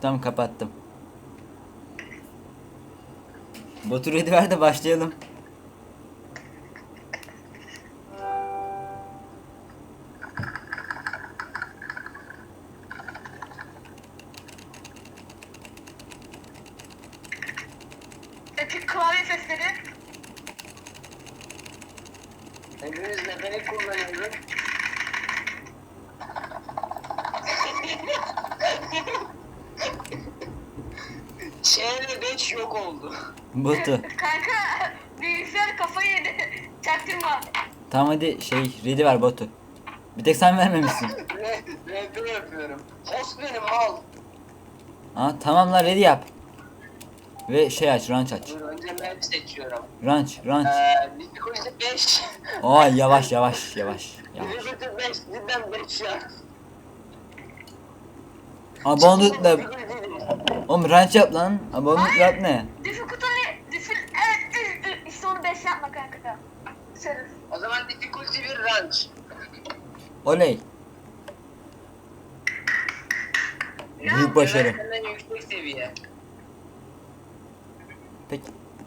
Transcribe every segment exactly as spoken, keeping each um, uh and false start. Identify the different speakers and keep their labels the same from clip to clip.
Speaker 1: Tamam, kapattım. Botu ready ver de başlayalım.
Speaker 2: Epik klavye sesleri.
Speaker 3: Hepimiz mekanik kullanıyoruz. Ç'yle beş yok oldu.
Speaker 1: Botu.
Speaker 2: Kanka bilgisayar kafayı yedi. Çaktırma.
Speaker 1: Tamam hadi şey ready ver botu. Bir tek sen vermemişsin.
Speaker 3: Ne? Rap yapıyorum. Host benim mal.
Speaker 1: Aa tamam lan, ready yap. Ve şey aç, ranch aç.
Speaker 3: Dur önce map seçiyorum.
Speaker 1: Ranch, ranch.
Speaker 3: Eee difficulty beş.
Speaker 1: Aa yavaş yavaş yavaş. Yavaş.
Speaker 3: Difficulty beş cidden beş ya.
Speaker 1: Abonlukla. Oğlum ranch yap lan. Abonluk yap ne?
Speaker 2: Difficulty diffil evet işte onu beş yapma kanka. Şerif.
Speaker 3: O zaman difficulty bir ranch.
Speaker 1: Oley. Büyük başarı.
Speaker 3: Senden yüksek seviye.
Speaker 1: Peki.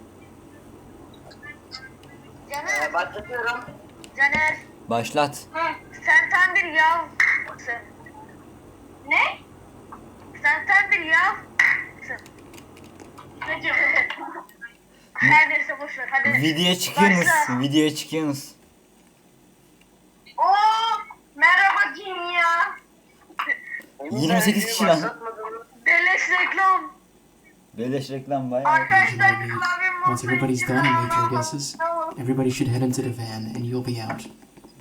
Speaker 2: Caner.
Speaker 3: Ee, başlatıyorum.
Speaker 2: Caner.
Speaker 1: Başlat.
Speaker 2: Hı. Sen tam bir yavsın. Ne? Sen tam bir yavsın. Ne diyor? Her neyse boşver hadi.
Speaker 1: Videoya çıkıyorsunuz.
Speaker 2: Başla.
Speaker 1: Videoya çıkıyorsunuz.
Speaker 2: Oo, merhaba dünya.
Speaker 1: yirmi sekiz kişi lan.
Speaker 2: Beleş reklam.
Speaker 1: Beleş reklam bayağı.
Speaker 2: Arkadaşlar klavyem
Speaker 4: Once everybody's done and made your guesses, everybody should head into the van and you'll be out.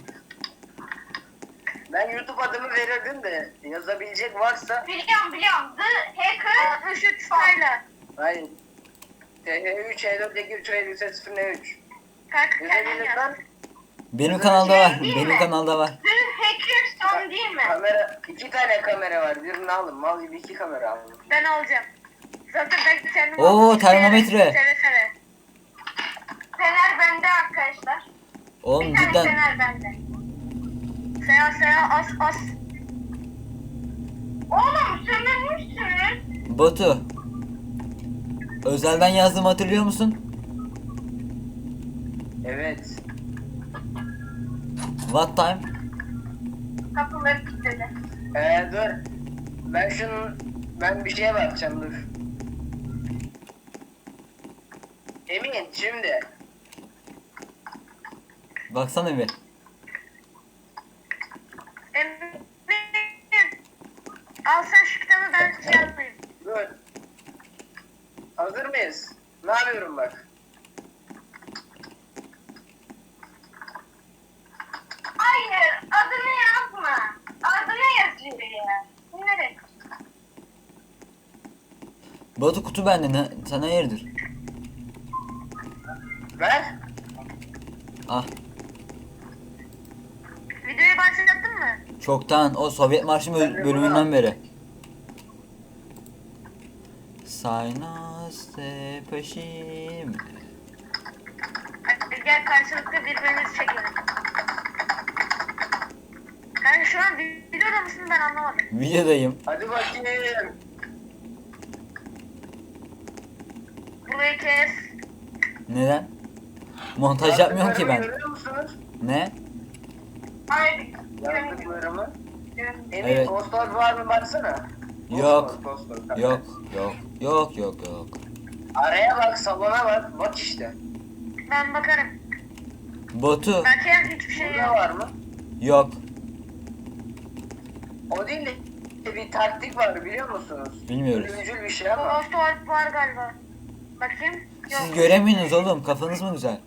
Speaker 3: Ben YouTube adımı verirdim de yazabilecek varsa.
Speaker 2: Biliyorum biliyorum. The Hacker altmış üç Styler.
Speaker 3: Hayır. T H üç, H dört, H üç, H üç, sıfır üç.
Speaker 2: Kanka kendin yaz.
Speaker 3: Yazabilirsen
Speaker 1: Benim kanalda var.
Speaker 2: Değil
Speaker 1: Benim
Speaker 2: mi?
Speaker 1: kanalda var.
Speaker 2: The Hacker son değil mi?
Speaker 3: kamera, iki tane kamera var. Birini alın. Mal gibi iki kamera alın.
Speaker 2: Ben alacağım. Zaten ben kendim
Speaker 1: Oo,
Speaker 2: aldım.
Speaker 1: termometre.
Speaker 2: Seve seve. Fener bende arkadaşlar.
Speaker 1: Oğlum
Speaker 2: Bir tane
Speaker 1: cidden.
Speaker 2: fener bende. Seya seya as as. Oğlum sömürmüşsün.
Speaker 1: Botu. Özelden yazdığımı hatırlıyor musun?
Speaker 3: Evet.
Speaker 1: What time?
Speaker 2: Kapıları kilitledi.
Speaker 3: Ee, dur. Ben şunun... Ben bir şeye bakacağım dur. Emin şimdi.
Speaker 1: Baksana bir.
Speaker 2: Emin. Al sen şu kitabı ben şey yapmayayım.
Speaker 3: Dur. Hazır mıyız? Ne yapıyorum bak.
Speaker 2: Hayır adını yazma. Adını yazıyor ya. Nereye?
Speaker 1: Botu kutu bende. Ne, sana hayırdır?
Speaker 3: Ver.
Speaker 1: Ah.
Speaker 2: Videoyu başlattın mı?
Speaker 1: Çoktan o Sovyet Marşı böl- bölümünden beri. Saynas peşim.
Speaker 2: Hadi gel karşılıklı birbirimizi çekelim. Kanka şu an videoda mısın ben anlamadım.
Speaker 1: Videodayım.
Speaker 3: Hadi bakayım.
Speaker 2: Burayı kes.
Speaker 1: Neden? Montaj yapmıyorum ki ben.
Speaker 3: Görüyor musunuz?
Speaker 1: Ne?
Speaker 2: Hayır.
Speaker 3: Yazdıklarımı. Emin
Speaker 1: Evet.
Speaker 3: postlar var mı baksana.
Speaker 1: Yok.
Speaker 3: Post, post, post.
Speaker 1: Yok, yok, yok, yok, yok.
Speaker 3: Araya bak, salona bak. Bak işte.
Speaker 2: Ben bakarım.
Speaker 1: Botu.
Speaker 2: Belki hiçbir şey
Speaker 3: Burada
Speaker 2: yok.
Speaker 3: var mı?
Speaker 1: Yok.
Speaker 3: O değil de bir taktik var biliyor musunuz?
Speaker 1: Bilmiyoruz.
Speaker 3: Ölümcül bir şey ama.
Speaker 2: Ghost Orb var galiba. Bakayım. Yok.
Speaker 1: Siz göremiyorsunuz oğlum. Kafanız mı güzel?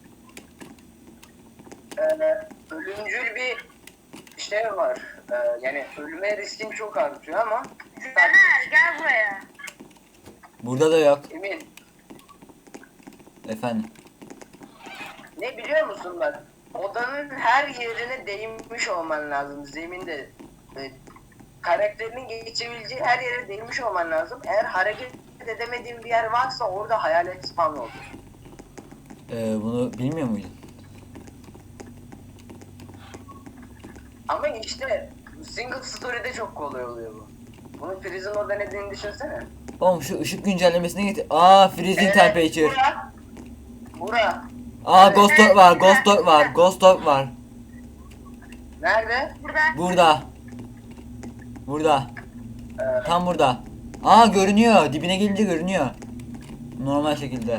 Speaker 3: Ee, ölümcül bir şey var. Ee, yani ölüme riskin çok artıyor ama.
Speaker 2: Caner gel buraya.
Speaker 1: Burada da yok.
Speaker 3: Emin.
Speaker 1: Efendim.
Speaker 3: Ne biliyor musun bak? Odanın her yerine değinmiş olman lazım. Zeminde. E, karakterinin geçebileceği her yere değinmiş olman lazım. Eğer hareket edemediğin bir yer varsa orada hayalet spawn olur.
Speaker 1: Ee, bunu bilmiyor muydun?
Speaker 3: Ama işte single story'de çok kolay oluyor bu. Bunun Freeze'in orada ne dediğini düşünsene.
Speaker 1: Oğlum şu ışık güncellemesine git. Aa freezing temperature.
Speaker 3: Bura. Bura.
Speaker 1: Aa
Speaker 3: Evet.
Speaker 1: ghost dog var, ghost dog var, ghost dog var.
Speaker 3: Nerede?
Speaker 2: Burada.
Speaker 1: Burada. Burada.
Speaker 3: Ee,
Speaker 1: Tam burada. Aa görünüyor. Dibine gelince görünüyor. Normal şekilde.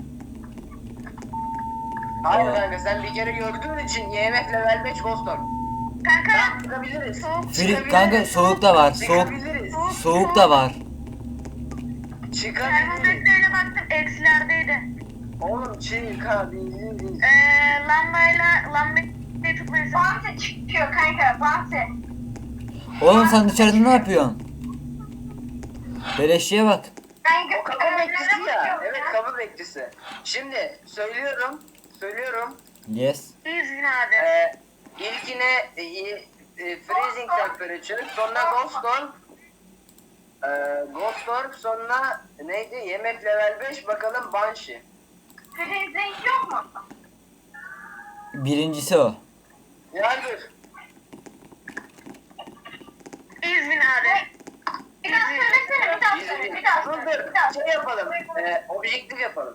Speaker 3: hayır
Speaker 1: Aa.
Speaker 3: kanka sen bir kere gördüğün için Y M F level beş Ghost Dog.
Speaker 2: Kanka.
Speaker 3: Tamam çıkabiliriz.
Speaker 2: Soğuk.
Speaker 1: Fri
Speaker 3: Çıkabiliriz.
Speaker 1: kanka soğuk da var. Soğuk
Speaker 3: Çıkabiliriz.
Speaker 1: soğuk da var.
Speaker 3: Çıkabiliriz.
Speaker 2: Termometreyle baktım eksilerdeydi.
Speaker 3: Oğlum çıkabiliriz.
Speaker 2: Eee lambayla lambayı tutmayı Bantı çıkıyor kanka bantı.
Speaker 1: Oğlum sen dışarıda ne yapıyorsun? Beleşçiye bak.
Speaker 3: O kapı bekçisi ya. Evet kapı bekçisi. Şimdi söylüyorum. Söylüyorum.
Speaker 1: Yes.
Speaker 2: İzin abi.
Speaker 3: Ee, ilkine e, e, e, freezing temperature, sonra ghost orb, e, ghost orb, sonra neydi? Yemek level beş, bakalım banshee.
Speaker 2: Freezing yok mu?
Speaker 1: Birincisi o.
Speaker 3: Yardır.
Speaker 2: İzin abi. Bir daha söylesene bir daha söyle bir daha
Speaker 3: Dur
Speaker 2: söyle.
Speaker 3: dur.
Speaker 2: Bir daha
Speaker 3: Şey yapalım. E, objektif yapalım.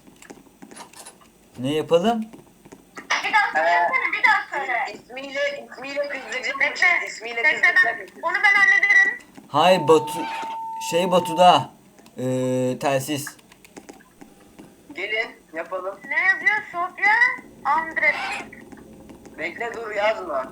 Speaker 1: Ne yapalım?
Speaker 2: Bir daha söylesene bir daha söyle.
Speaker 3: İsmiyle ismiyle kızdıracak bir
Speaker 2: Bekle.
Speaker 3: şey. İsmiyle
Speaker 2: Bekle
Speaker 3: kızdıracak
Speaker 2: ben.
Speaker 3: bir şey.
Speaker 2: Onu ben hallederim.
Speaker 1: Hay Batu şey Batu'da ee, telsiz.
Speaker 3: Gelin yapalım.
Speaker 2: Ne yazıyor? Sofya Andres.
Speaker 3: Bekle dur yazma.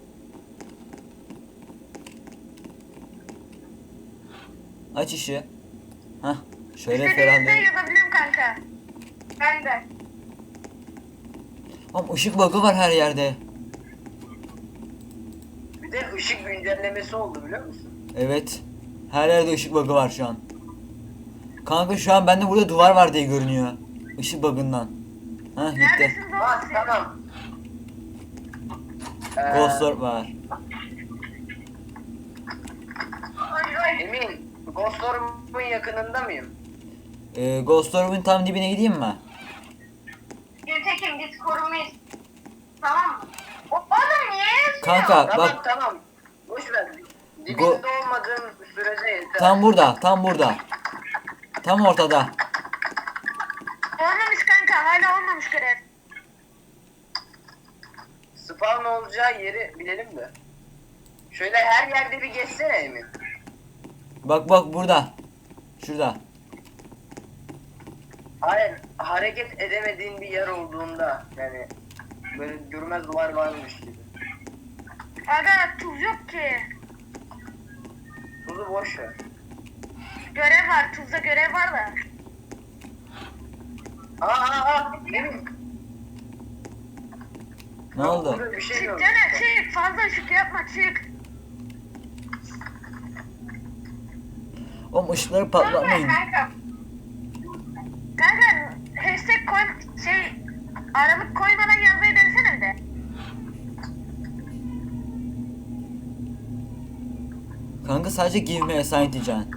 Speaker 1: Aç işi. Hah. Şöyle
Speaker 2: İstediğinizde
Speaker 1: ferahlayalım.
Speaker 2: yazabiliyorum kanka. Ben de.
Speaker 1: Oğlum ışık bug'ı var her yerde.
Speaker 3: Bir de ışık güncellemesi oldu biliyor musun?
Speaker 1: Evet. Her yerde ışık bug'ı var şu an. Kanka şu an bende burada duvar var diye görünüyor. Işık bug'ından. Hah gitti.
Speaker 2: Neredesiniz oğlum
Speaker 3: Ha
Speaker 2: siz?
Speaker 3: tamam. Ee,
Speaker 1: Ghost Orb var.
Speaker 2: Ay, ay.
Speaker 3: Emin, Ghost Orb'un yakınında mıyım?
Speaker 1: Ee, Ghost Orb'un tam dibine gideyim mi?
Speaker 2: Gültekin biz korumayız. Tamam mı? O oğlum niye yazıyor?
Speaker 1: Kanka
Speaker 3: Tamam
Speaker 1: bak
Speaker 3: tamam. Boş ver. Dibinde
Speaker 1: Go-
Speaker 3: olmadığın sürece yeter.
Speaker 1: tam burada, tam burada. Tam ortada.
Speaker 2: Olmamış kanka hala olmamış görev.
Speaker 3: Spawn olacağı yeri bilelim de. Şöyle her yerde bir geçsene Emin.
Speaker 1: Bak bak burada. Şurada.
Speaker 3: Hayır, hareket edemediğin bir yer olduğunda yani böyle görmez duvar varmış gibi.
Speaker 2: Aga tuz yok ki.
Speaker 3: Tuzu boş ver.
Speaker 2: Görev var tuzda görev var da.
Speaker 3: Aa aa aa Emin.
Speaker 1: Ne oldu?
Speaker 3: Burada bir şey
Speaker 2: Çık
Speaker 3: yok.
Speaker 2: Caner çık fazla ışık yapma çık.
Speaker 1: Oğlum ışıkları patlatmayın.
Speaker 2: Kanka. Kanka hashtag koy şey aralık koymadan yazmayı denesene bir de.
Speaker 1: Kanka sadece give me a sign diyeceksin.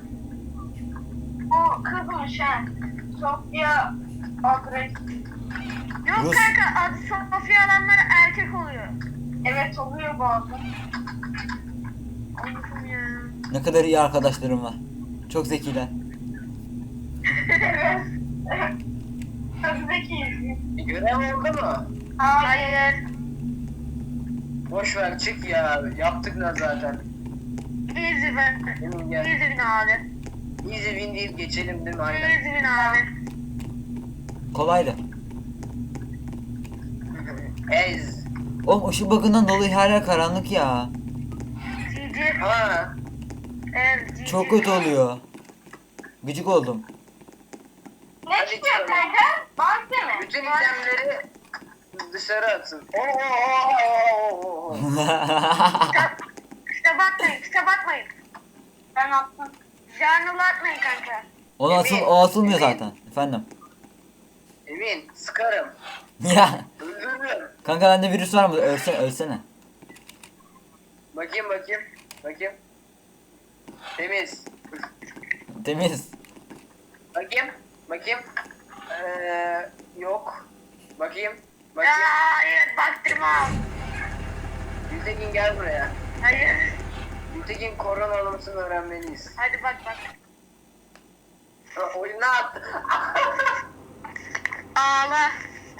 Speaker 2: O kızmış ha. Sofya adres. Yok
Speaker 1: Rus.
Speaker 2: kanka adı Sofya alanları erkek oluyor. Evet oluyor bazen. Allah'ım ya.
Speaker 1: Ne kadar iyi arkadaşlarım var. Çok zekiler.
Speaker 2: Evet. Çok zekiyiz.
Speaker 3: Görev oldu mu?
Speaker 2: Hayır.
Speaker 3: Boş ver çık ya. Yaptık da zaten.
Speaker 2: Easy ben.
Speaker 3: Emin gel.
Speaker 2: Easy win abi.
Speaker 3: Easy win deyip geçelim değil mi? Aynen.
Speaker 2: Easy win abi.
Speaker 1: Kolaydı.
Speaker 3: Ez.
Speaker 1: Oğlum ışık bug'ından dolayı her yer karanlık ya.
Speaker 2: G G.
Speaker 3: Ha.
Speaker 2: Evet G G.
Speaker 1: Çok kötü oluyor. Gıcık oldum.
Speaker 2: Ne
Speaker 3: Hadi
Speaker 2: çıkıyor
Speaker 3: çıkalım.
Speaker 2: kanka? Bant mi?
Speaker 3: Bütün itemleri dışarı atın. Oo, oo, oo, oo, oo.
Speaker 2: Kitap atmayın, kitap atmayın. Ben attım. Journal atmayın kanka.
Speaker 1: O asıl o asılmıyor zaten. Efendim.
Speaker 3: Emin sıkarım.
Speaker 1: Ya
Speaker 3: Öldürürüm.
Speaker 1: kanka bende virüs var mı? Ölsene ölsene.
Speaker 3: Bakayım bakayım. Bakayım. Temiz.
Speaker 1: Temiz.
Speaker 3: Bakayım. Bakayım. Ee, yok. Bakayım.
Speaker 2: Ya,
Speaker 3: Bakayım.
Speaker 2: hayır baktırma.
Speaker 3: Gültekin gel buraya.
Speaker 2: Hayır.
Speaker 3: Gültekin koronalı mısın öğrenmeliyiz.
Speaker 2: Hadi bak bak.
Speaker 3: Ha, oyuna attı.
Speaker 2: Ağla.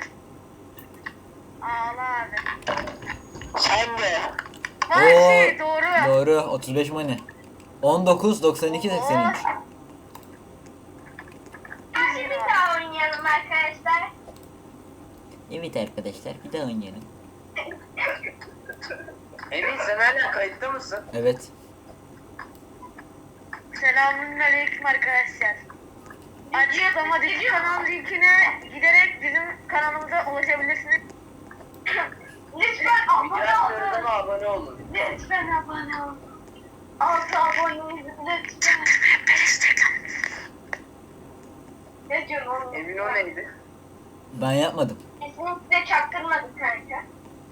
Speaker 2: Ağla abi.
Speaker 3: Sen de.
Speaker 2: Bak
Speaker 1: Oo,
Speaker 2: şey doğru.
Speaker 1: Doğru. otuz beş money. on dokuz doksan iki seksen üç.
Speaker 2: Hadi bir daha oynayalım arkadaşlar.
Speaker 1: Evet arkadaşlar bir daha oynayalım.
Speaker 3: Emin sen hala kayıtta mısın?
Speaker 1: Evet.
Speaker 2: Selamünaleyküm arkadaşlar. Açıklama dizi kanal linkine giderek bizim kanalımıza ulaşabilirsiniz. Lütfen abone
Speaker 3: Videoya
Speaker 2: olun.
Speaker 3: söyleme abone olun.
Speaker 2: Lütfen abone olun. Altı aboneyiz lütfen. Ne diyorsun oğlum?
Speaker 3: Emin o neydi?
Speaker 1: Ben yapmadım.
Speaker 2: Kesinlikle çaktırmadık kanka.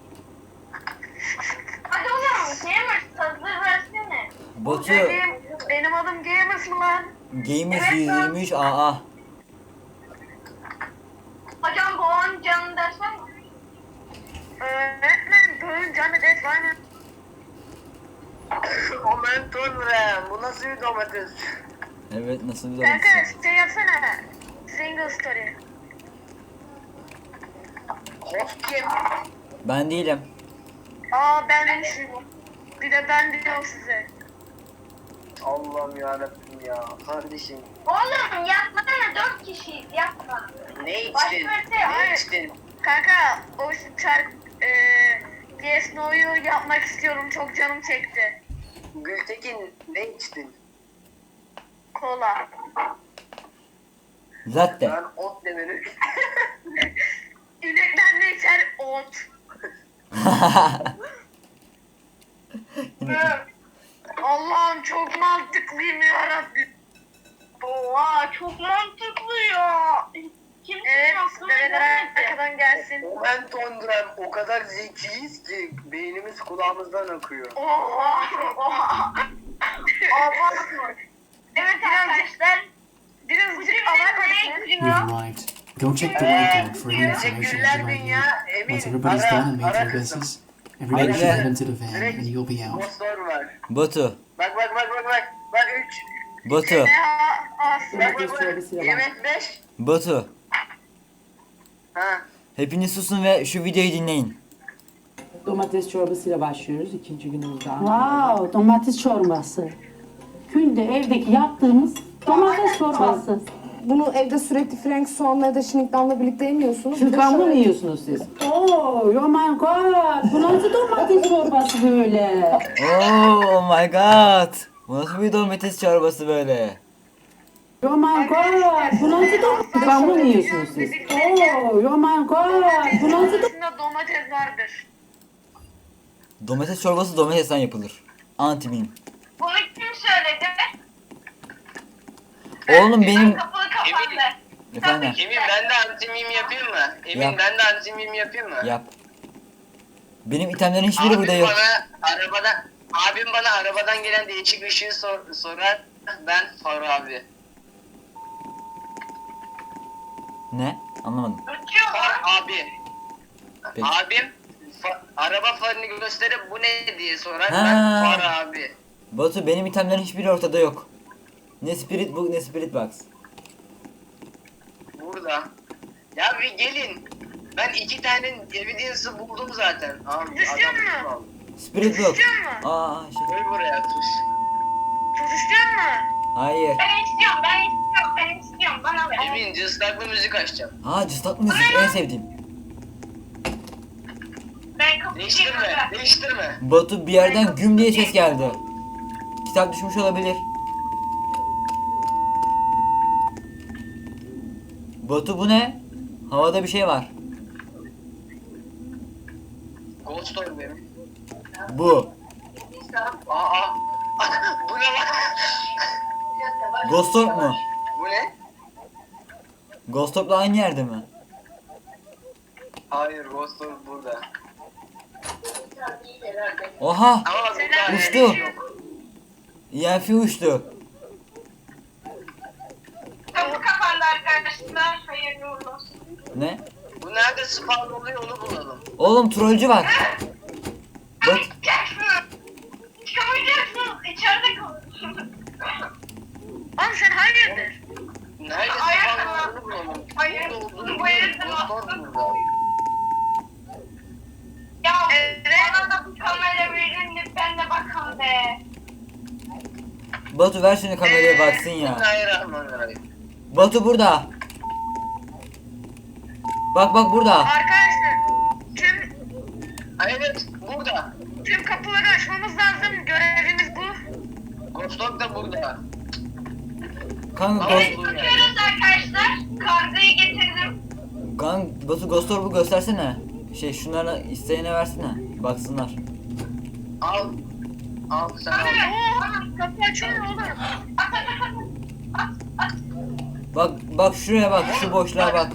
Speaker 2: Hadi oğlum Gamers hazır versene.
Speaker 1: Batu
Speaker 2: Benim, benim adım Gamers mı lan?
Speaker 1: Gamers yüz yirmi üç A A.
Speaker 2: Hocam Boğan canı ders var mı? Öğretmen Boğan canı ders var mı?
Speaker 3: Momentum Ram. Bu nasıl bir domates?
Speaker 1: Evet nasıl bir
Speaker 2: Kanka
Speaker 1: domates?
Speaker 2: şey yapsana. Single story.
Speaker 3: Host kim?
Speaker 1: Ben değilim.
Speaker 2: Aa ben bir de ben diyorum size.
Speaker 3: Allah'ım yarabbim ya. Kardeşim.
Speaker 2: Oğlum yapmasana dört kişiyiz yapma.
Speaker 3: Ne
Speaker 2: Başka
Speaker 3: içtin?
Speaker 2: bir şey,
Speaker 3: Ne
Speaker 2: hayır.
Speaker 3: içtin?
Speaker 2: Kanka o çark eee Yes No'yu yapmak istiyorum çok canım çekti.
Speaker 3: Gültekin ne içtin?
Speaker 2: Kola.
Speaker 1: Latte.
Speaker 3: Ben ot demeni.
Speaker 2: İnekler ne içer? Ot. Allah'ım çok mantıklıyım yarabbim. Oha çok mantıklı ya. Kim evet, develer arkadan gelsin.
Speaker 3: Momentum Ram. O kadar zekiyiz ki beynimiz kulağımızdan akıyor.
Speaker 2: Oha. Oha. Oha. Evet arkadaşlar. Birazcık abartmadık.
Speaker 4: We've arrived. Go check the whiteboard for any information
Speaker 3: Teşekkürler
Speaker 4: you might
Speaker 3: dünya.
Speaker 4: need.
Speaker 3: Emin
Speaker 4: Once everybody's done
Speaker 3: ara,
Speaker 4: and made
Speaker 3: ara
Speaker 4: their
Speaker 3: kızım.
Speaker 4: guesses, everybody
Speaker 1: Bekle.
Speaker 4: should head into the van and you'll be out.
Speaker 3: Bosslar var.
Speaker 1: Batu.
Speaker 3: Bak bak bak bak bak. Bak üç.
Speaker 1: Batu.
Speaker 2: Ne ha- aslında.
Speaker 3: Bak bak bak. Yemek beş.
Speaker 1: Batu.
Speaker 3: Ha.
Speaker 1: Hepiniz susun ve şu videoyu dinleyin.
Speaker 5: Domates çorbasıyla başlıyoruz ikinci günümüzde.
Speaker 6: Wow, domates çorbası. Günde evdeki yaptığımız domates çorbası.
Speaker 7: Bunu evde sürekli Frank soğanla ya da şinikdanla birlikte yemiyorsunuz. Bir de
Speaker 5: Türkan mı
Speaker 7: şöyle-
Speaker 5: yiyorsunuz siz?
Speaker 6: Oh, oh my god. Bu nasıl domates çorbası böyle?
Speaker 1: Oh my god. Bu nasıl bir domates çorbası böyle?
Speaker 6: Oh my god. Bu nasıl domates?
Speaker 5: Türkan mı yiyorsunuz siz?
Speaker 6: Oh, oh my god. Bu nasıl domates?
Speaker 2: İçinde domates vardır.
Speaker 1: Domates çorbası domatesten yapılır. Anti meme.
Speaker 2: Bunu kim söyledi?
Speaker 1: Oğlum benim...
Speaker 2: Kapalı kapandı.
Speaker 1: Efendim
Speaker 3: Emin ben de antimim yapayım mı? Emin
Speaker 1: Yap.
Speaker 3: ben de antimim yapayım mı?
Speaker 1: yap. Benim itemlerin hiçbiri burada
Speaker 3: Abim
Speaker 1: yok.
Speaker 3: bana arabadan abim bana arabadan gelen değişik ışığı sor, sorar. Ben Faruk abi.
Speaker 1: Ne? Anlamadım.
Speaker 3: Far abi.
Speaker 1: Peki.
Speaker 3: Abim fa- araba farını gösterip bu ne diye sorar.
Speaker 1: Ha.
Speaker 3: Ben Far abi.
Speaker 1: Batu benim itemlerin hiçbiri ortada yok. Ne spirit book ne spirit box.
Speaker 3: Burada. Ya bir gelin. Ben iki tane evidence'ı buldum zaten. Abi
Speaker 2: Düşüyor
Speaker 3: adam
Speaker 2: mu?
Speaker 3: aldı.
Speaker 1: Spirit book.
Speaker 2: Tutuyor mu?
Speaker 1: Aa şey.
Speaker 3: Koy buraya tuş.
Speaker 2: Tutuşturuyor mu?
Speaker 1: Hayır.
Speaker 2: Ben istiyorum, ben istiyorum, ben istiyorum. Bana ver.
Speaker 3: Emin cıstaklı müzik açacağım.
Speaker 1: Aa cıstak müzik en sevdiğim.
Speaker 2: Ben kapatayım.
Speaker 3: Değiştirme, değiştirme.
Speaker 1: Batu bir yerden güm diye ses geldi. Kitap düşmüş olabilir. Batu bu ne? Havada bir şey var.
Speaker 3: Ghost Story benim.
Speaker 1: Bu.
Speaker 3: Aa. Bu ne lan?
Speaker 1: Ghost Orb mu?
Speaker 3: Bu ne?
Speaker 1: Ghost Orb'la aynı yerde mi?
Speaker 3: Hayır, Ghost Story burada.
Speaker 1: Oha!
Speaker 3: Ama burada
Speaker 1: Uçtu.
Speaker 3: yok.
Speaker 1: E F uçtu.
Speaker 2: Kapı kapandı arkadaşlar. Hayırlı uğurlu olsun.
Speaker 1: Ne?
Speaker 3: Bu nerede spawn oluyor onu bulalım.
Speaker 1: Oğlum trollcü var. Bak
Speaker 2: Çıkamayacaksın. Çıkamayacaksın.
Speaker 1: Batu ver şunu kameraya baksın ya.
Speaker 3: Bismillahirrahmanirrahim.
Speaker 1: Batu burada. Bak bak burada.
Speaker 2: Arkadaşlar tüm
Speaker 3: Evet burada.
Speaker 2: tüm kapıları açmamız lazım. Görevimiz bu.
Speaker 3: Ghost Dog da burada.
Speaker 1: Kanka
Speaker 3: Evet.
Speaker 1: Ghost,
Speaker 2: Bakıyoruz arkadaşlar. Kargayı getirdim.
Speaker 1: kanka Batu Ghost Orb'u göstersene. Şey şunlara isteyene versene. Baksınlar.
Speaker 3: Al. Al sen al.
Speaker 2: Oo, kapı açıyor oğlum. At at at at. At at.
Speaker 1: Bak bak şuraya bak, şu boşluğa bak.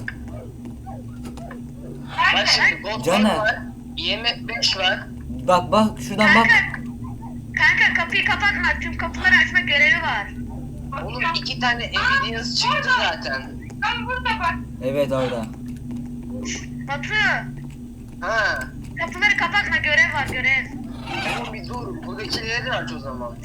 Speaker 3: Bak şimdi Ghost Dog
Speaker 1: Caner.
Speaker 3: var. I M F beş var.
Speaker 1: Bak bak şuradan bak.
Speaker 2: Kanka, kanka kapıyı kapatma. Tüm kapıları açma görevi var.
Speaker 3: Oğlum iki tane evidence çıktı zaten.
Speaker 2: Ben burada bak.
Speaker 1: Evet orada.
Speaker 2: Batu.
Speaker 3: Ha.
Speaker 2: Kapıları kapatma görev var görev.
Speaker 3: Oğlum bir dur. Buradakileri de aç o zaman.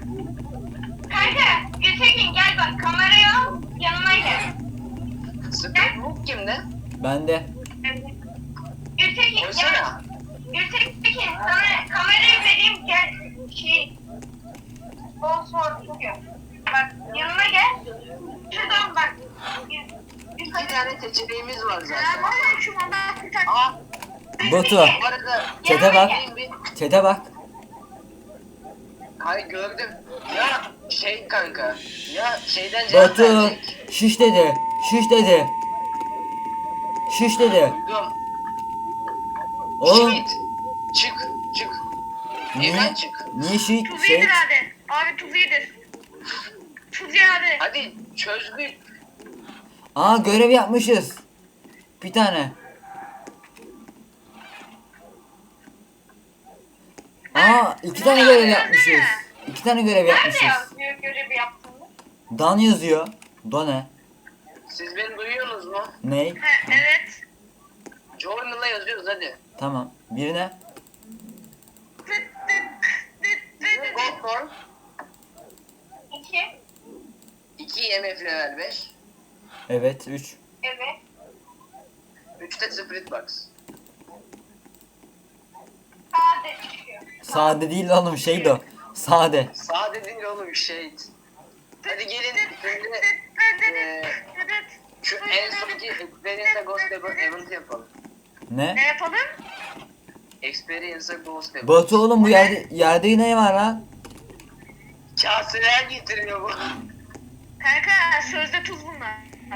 Speaker 2: Kanka Gültekin gel bak kamerayı al yanıma gel.
Speaker 3: Split Book kimde?
Speaker 1: Bende.
Speaker 2: Gültekin gel.
Speaker 3: Koysana.
Speaker 2: Gültekin sana kamerayı vereyim gel. Şey. Bol sor bugün. Bak yanıma gel. Şuradan bak.
Speaker 3: İki tane seçeneğimiz var zaten.
Speaker 2: Selamünaleyküm Allah kurtar.
Speaker 3: Aa.
Speaker 1: Batu.
Speaker 3: Bu arada
Speaker 1: Çete bak.
Speaker 3: benim bir...
Speaker 1: Çete bak.
Speaker 3: Hayır gördüm. Ya şey kanka. Ya şeyden cevap
Speaker 1: Batu.
Speaker 3: verecek.
Speaker 1: Şiş dedi. Şiş dedi. Şiş dedi.
Speaker 3: Duydum.
Speaker 1: Oğlum.
Speaker 3: Shit. Çık. Çık.
Speaker 1: Niye?
Speaker 3: Evden çık.
Speaker 1: Niye şiş?
Speaker 2: Tuz
Speaker 1: Şey.
Speaker 2: iyidir abi. Abi tuz iyidir. Tuz ye abi.
Speaker 3: Hadi çözdük.
Speaker 1: Aa görev yapmışız. Bir tane. Aa iki tane görev yapmışız. İki tane görev
Speaker 2: Nerede
Speaker 1: yapmışız.
Speaker 2: yazıyor görevi yaptığını?
Speaker 1: Dan yazıyor. Do ne?
Speaker 3: Siz beni duyuyorsunuz mu?
Speaker 1: Ney?
Speaker 2: Ha, evet.
Speaker 3: Journal'a yazıyoruz hadi.
Speaker 1: Tamam. Birine.
Speaker 2: Tıt tıt tıt tıt tıt.
Speaker 3: Gothorn.
Speaker 2: İki.
Speaker 3: iki I M F level beş.
Speaker 1: Evet. Üç.
Speaker 2: Evet.
Speaker 3: üçte Spirit Box.
Speaker 2: Sade çıkıyor.
Speaker 1: Sade değil oğlum şeydi o. Sade.
Speaker 3: Sağ dedin oğlum şey. Hadi gelin şimdi eee şu en sonki Experience'a Ghost Event yapalım.
Speaker 1: Ne?
Speaker 2: Ne yapalım?
Speaker 3: Experience'a Ghost Event.
Speaker 1: Batu oğlum bu yerde yerde yine var lan.
Speaker 3: Kaseler getiriyor bu.
Speaker 2: Kanka sözde tuz bunlar.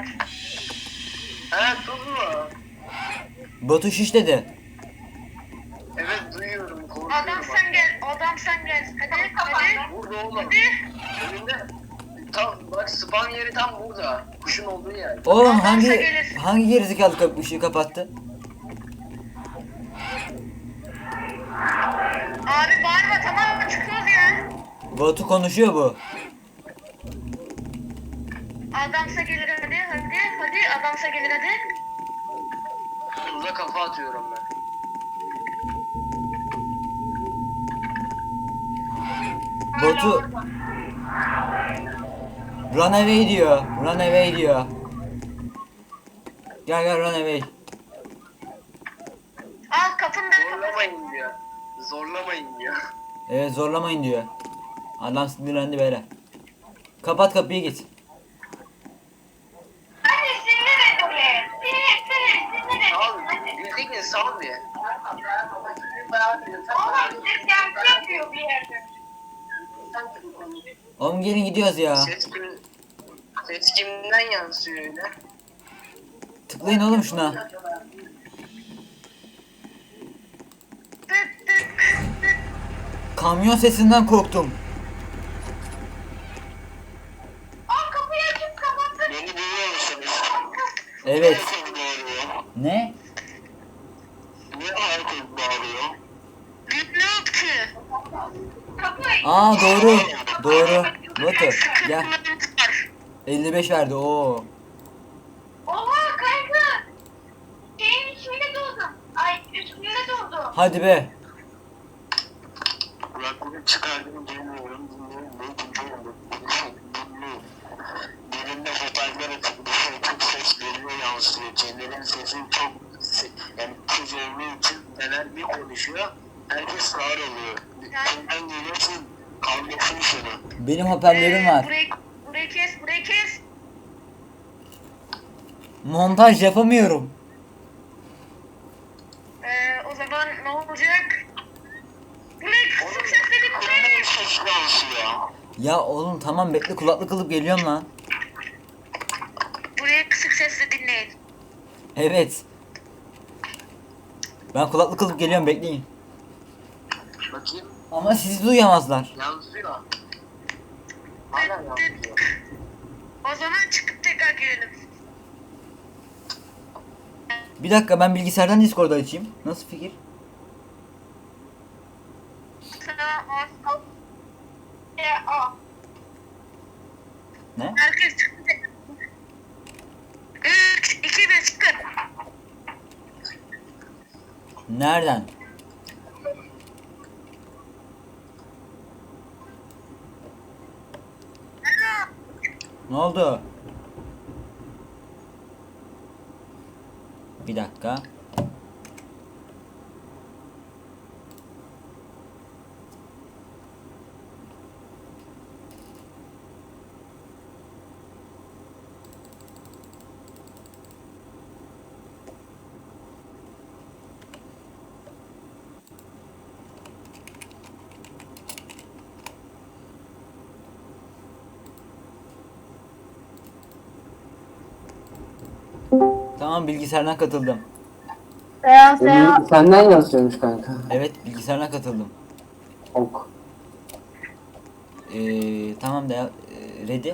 Speaker 3: Ha tuz mu?
Speaker 1: Batu şiş dedi.
Speaker 3: Evet duyuyorum korkuyorum.
Speaker 2: Adam sen gel. Adam sen gel. Hadi hadi.
Speaker 3: Burada oğlum.
Speaker 2: Hadi.
Speaker 3: Önünde. Tam bak spam yeri tam burada. Kuşun olduğu yer.
Speaker 1: Oğlum
Speaker 2: Adamsa
Speaker 1: hangi
Speaker 2: gelir.
Speaker 1: hangi gerizekalı kap ışığı kapattı?
Speaker 2: Abi bağırma tamam mı? Çıkıyoruz ya.
Speaker 1: Batu konuşuyor bu.
Speaker 2: Adamsa gelir hadi hadi hadi. Adamsa gelir hadi.
Speaker 3: Tuza kafa atıyorum ben.
Speaker 1: Batu run away diyor. Run away diyor. Gel gel run away.
Speaker 2: Al kapını da kapat.
Speaker 3: Zorlamayın diyor. Zorlamayın diyor.
Speaker 1: Evet zorlamayın diyor. Adam sinirlendi böyle. Kapat kapıyı git.
Speaker 2: Hadi sinir et oraya. Sinir sinir sinir et.
Speaker 3: Sal.
Speaker 2: Hadi.
Speaker 3: Bildiğin sal bir.
Speaker 2: Oğlum ses yankı yapıyor bir yerde.
Speaker 1: Oğlum gelin gidiyoruz ya.
Speaker 3: Ses kim? Ses kimden yansıyor öyle?
Speaker 1: Tıklayın oğlum şuna.
Speaker 2: Tıt tıt tıt.
Speaker 1: Kamyon sesinden korktum.
Speaker 2: Al kapıyı açıp kapattın.
Speaker 3: Beni duyuyor musunuz?
Speaker 1: Evet.
Speaker 3: bağırıyor?
Speaker 1: Ne?
Speaker 3: Niye herkes bağırıyor?
Speaker 2: Bilmiyorum ki. Kapıyı.
Speaker 1: Aa doğru. Doğru. Batu gel. elli beş verdi o.
Speaker 2: Oha kanka. Şeyin içinde doğdum. Ay üstünde doğdum.
Speaker 1: Hadi be.
Speaker 3: Kulaklığı çıkardım duymuyorum, dinliyorum, dinliyorum, dinliyorum. Birinde hoparlör açık, bir şey çok ses geliyor yansıyor. Çenelerin sesi çok, yani kız olduğu için neler bir konuşuyor, herkes sağır oluyor. Senden geliyorsun, kavga
Speaker 1: Benim hoparlörüm var.
Speaker 2: Burayı, burayı kes, burayı kes.
Speaker 1: Montaj yapamıyorum.
Speaker 2: Ee, o zaman ne olacak? Burayı kısık sesle dinleyin.
Speaker 1: Ya oğlum tamam bekle, kulaklık alıp geliyorum lan.
Speaker 2: Burayı kısık sesle dinleyin.
Speaker 1: Evet. Ben kulaklık alıp geliyorum, bekleyin.
Speaker 3: Bakayım.
Speaker 1: Ama sizi duyamazlar.
Speaker 3: Yansıyor. Hala yansıyor.
Speaker 2: O zaman çıkıp tekrar girelim.
Speaker 1: Bir dakika, ben bilgisayardan Discord'u açayım. Nasıl fikir?
Speaker 2: Sana al. E, al.
Speaker 1: Ne?
Speaker 2: Herkes çıktı tekrar. üç, iki, bir çıkın.
Speaker 1: Nereden? Ne oldu? Bir dakika. Tamam, bilgisayardan katıldım.
Speaker 6: Seyahat seyahat.
Speaker 8: Senden yazıyormuş kanka.
Speaker 1: Evet, bilgisayardan katıldım.
Speaker 8: Ok.
Speaker 1: Ee, tamam da e, ready.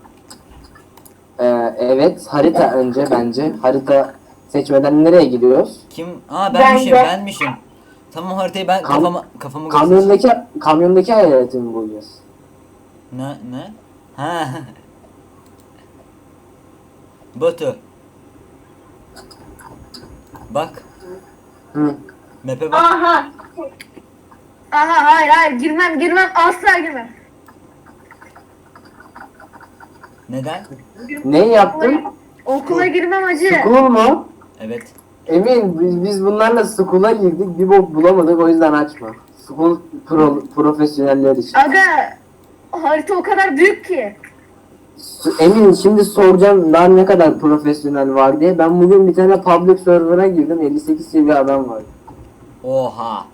Speaker 8: Ee, evet, harita önce bence. Harita seçmeden nereye gidiyoruz?
Speaker 1: Kim? Aa benmişim, benmişim. Tamam, haritayı ben
Speaker 8: Kam-
Speaker 1: kafama kafamı göster.
Speaker 8: Kamyondaki kamyondaki hayaleti mi bulacağız?
Speaker 1: Ne ne? Ha. Batu. Bak,
Speaker 8: Hı.
Speaker 1: map'e bak.
Speaker 6: Aha. Aha hayır hayır girmem girmem asla girmem.
Speaker 1: Neden?
Speaker 8: Ne yaptın?
Speaker 6: Okula girmem acı.
Speaker 8: School mu?
Speaker 1: Evet.
Speaker 8: Emin biz, biz bunlarla school'a girdik, bir bok bulamadık, o yüzden açma. School pro, profesyoneller için.
Speaker 6: Aga harita o kadar büyük ki.
Speaker 8: S- Emin şimdi soracağım daha ne kadar profesyonel var diye. Ben bugün bir tane public server'a girdim, elli sekiz seviye adam var.
Speaker 1: Oha.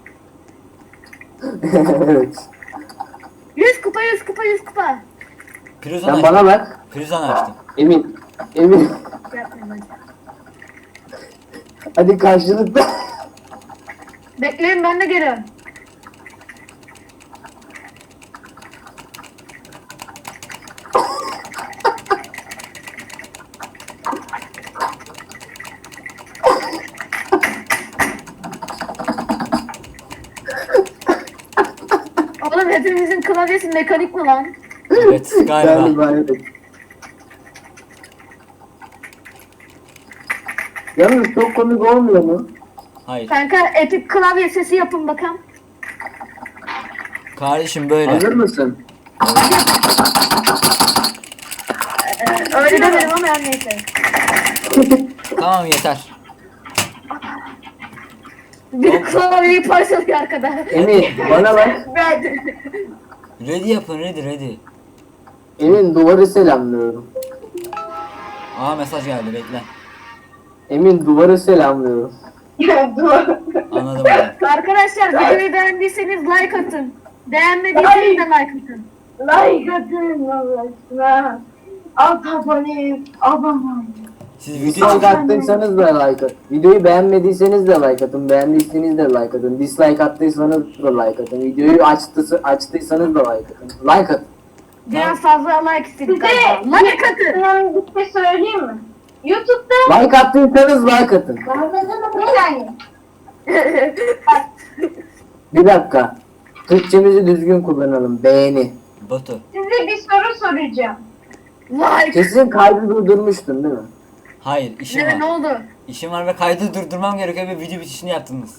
Speaker 8: Evet.
Speaker 6: yüz kupa yüz kupa yüz kupa.
Speaker 1: Prizon
Speaker 8: Sen
Speaker 1: açtım.
Speaker 8: bana bak.
Speaker 1: Prizon açtım.
Speaker 8: Emin. Emin.
Speaker 6: Yapmayın hadi.
Speaker 8: Hadi karşılıklı.
Speaker 6: Bekleyin ben de geliyorum. Oğlum hepimizin klavyesi mekanik mi lan?
Speaker 1: Evet, galiba.
Speaker 8: Galiba evet. Yalnız çok komik olmuyor mu?
Speaker 1: Hayır.
Speaker 6: Kanka epik klavye sesi yapın bakalım.
Speaker 1: Kardeşim böyle.
Speaker 8: Hazır mısın?
Speaker 6: Ee, öyle demedim ama her neyse.
Speaker 1: Tamam, yeter.
Speaker 6: Bir klavyeyi parçalıyor arkada.
Speaker 8: Emin bana bak.
Speaker 6: Ben
Speaker 1: Ready yapın, ready ready.
Speaker 8: Emin duvarı selamlıyorum.
Speaker 1: Aa mesaj geldi, bekle.
Speaker 8: Emin duvarı selamlıyorum.
Speaker 1: Anladım ben.
Speaker 6: Arkadaşlar videoyu beğendiyseniz like atın. Beğenmediyseniz de like atın.
Speaker 7: Like atın Allah aşkına. Alt abone, abone.
Speaker 1: Siz video
Speaker 8: Like attıysanız da like atın. Videoyu beğenmediyseniz de like atın. Beğendiyseniz de like atın. Dislike attıysanız da like atın. Videoyu açtı, açtıysanız da like atın. Like atın.
Speaker 6: Biraz fazla like istedik galiba. Like atın.
Speaker 7: Ben bir şey söyleyeyim mi? YouTube'da
Speaker 8: Like attıysanız like atın.
Speaker 7: bir saniye.
Speaker 8: Bir dakika. Türkçemizi düzgün kullanalım. Beğeni.
Speaker 1: Batu.
Speaker 7: Size bir soru soracağım.
Speaker 6: Like.
Speaker 8: Kesin kaydı durdurmuştun değil mi?
Speaker 1: Hayır, işim
Speaker 6: Ne, ne
Speaker 1: var.
Speaker 6: oldu?
Speaker 1: İşim var ve kaydı durdurmam gerekiyor ve video bitişini yaptınız.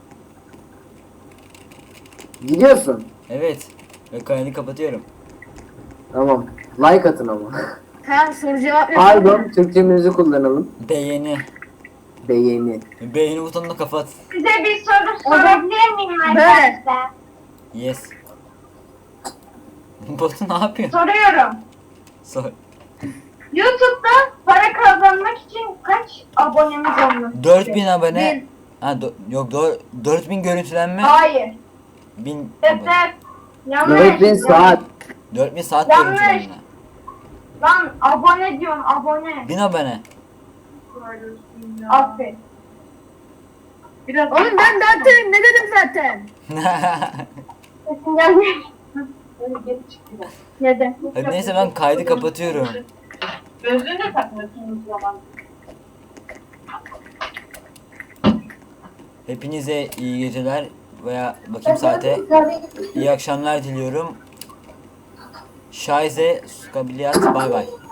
Speaker 8: Gidiyorsun.
Speaker 1: Evet. Ve kaydı kapatıyorum.
Speaker 8: Tamam. Like atın ama.
Speaker 6: Tamam soru cevap yok.
Speaker 8: Pardon. Türkçemizi kullanalım.
Speaker 1: Beğeni.
Speaker 8: Beğeni.
Speaker 1: Beğeni butonunu kapat.
Speaker 7: Size bir soru sorabilir miyim
Speaker 6: Böyle.
Speaker 7: arkadaşlar?
Speaker 1: Yes. Batu ne yapıyor?
Speaker 2: Soruyorum.
Speaker 1: Sor.
Speaker 2: YouTube'da para kazanmak için kaç abonemiz olması?
Speaker 1: dört bin abone.
Speaker 2: Bin.
Speaker 1: Ha do- yok do- dört bin görüntülenme.
Speaker 2: Hayır.
Speaker 1: bin
Speaker 2: Evet,
Speaker 1: abone.
Speaker 2: evet. Yanlış.
Speaker 8: dört bin saat.
Speaker 1: dört bin saat
Speaker 2: Yanlış.
Speaker 1: görüntülenme.
Speaker 2: Lan abone diyorum abone.
Speaker 1: bin abone.
Speaker 2: Aferin. Biraz
Speaker 6: Oğlum ben zaten ne dedim zaten?
Speaker 2: sesin gelmiyor. Neden?
Speaker 1: Hadi neyse ben kaydı kapatıyorum.
Speaker 6: Gözlüğünü de takmıyorsunuz zaman.
Speaker 1: Hepinize iyi geceler veya bakayım saate. İyi akşamlar diliyorum. Şaize, skabiliyat, bay bay.